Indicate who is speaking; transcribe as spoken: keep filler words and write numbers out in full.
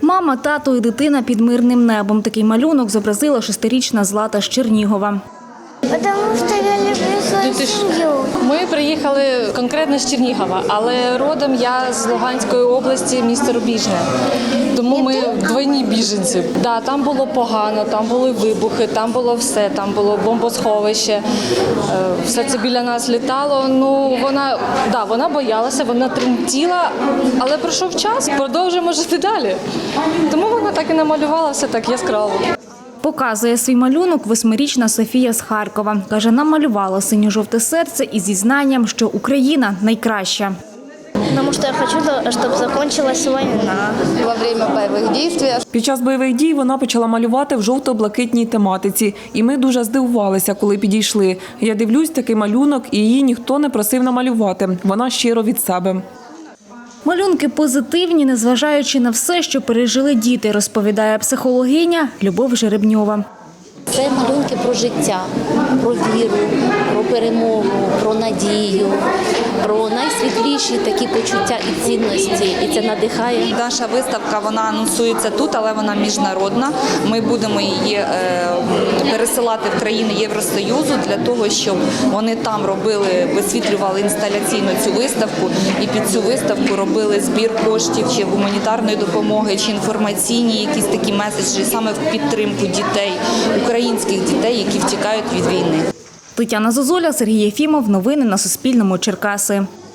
Speaker 1: Мама, тато і дитина під мирним небом. Такий малюнок зобразила шестирічна Злата з Чернігова.
Speaker 2: Потому что я люблю свою сім'ю.
Speaker 3: Ми приїхали конкретно з Чернігова, але родом я з Луганської області, місто Рубіжне. Тому ми двойні біженці. Да, там було погано, там були вибухи, там було все, там було бомбосховище. Е, Все це біля нас літало. Ну, вона, да, вона боялася, вона тремтіла, але пройшов час, продовжуємо жити далі. Тому вона так і намалювала все так яскраво.
Speaker 1: Показує свій малюнок восьмирічна Софія з Харкова. Каже, намалювала синьо-жовте серце із зізнанням, що Україна найкраща.
Speaker 2: Потому что я хочу, чтобы закончилась война.
Speaker 4: Во время бойових дій.
Speaker 5: Під час бойових дій вона почала малювати в жовто-блакитній тематиці. І ми дуже здивувалися, коли підійшли. Я дивлюсь, такий малюнок, і її ніхто не просив намалювати. Вона щиро від себе.
Speaker 1: Малюнки позитивні, незважаючи на все, що пережили діти, розповідає психологиня Любов Жеребньова.
Speaker 6: Це малюнки про життя, про віру, про перемогу, про надію, про найсвітліші такі почуття і цінності. І це надихає.
Speaker 7: Наша виставка, вона анонсується тут, але вона міжнародна. Ми будемо її е, пересилати в країни Євросоюзу для того, щоб вони там робили, висвітлювали інсталяційно цю виставку і під цю виставку робили збір коштів чи гуманітарної допомоги, чи інформаційні якісь такі меседжі саме в підтримку дітей, українських дітей, які втікають від війни.
Speaker 1: Тетяна Зозуля, Сергій Єфімов. Новини на Суспільному. Черкаси.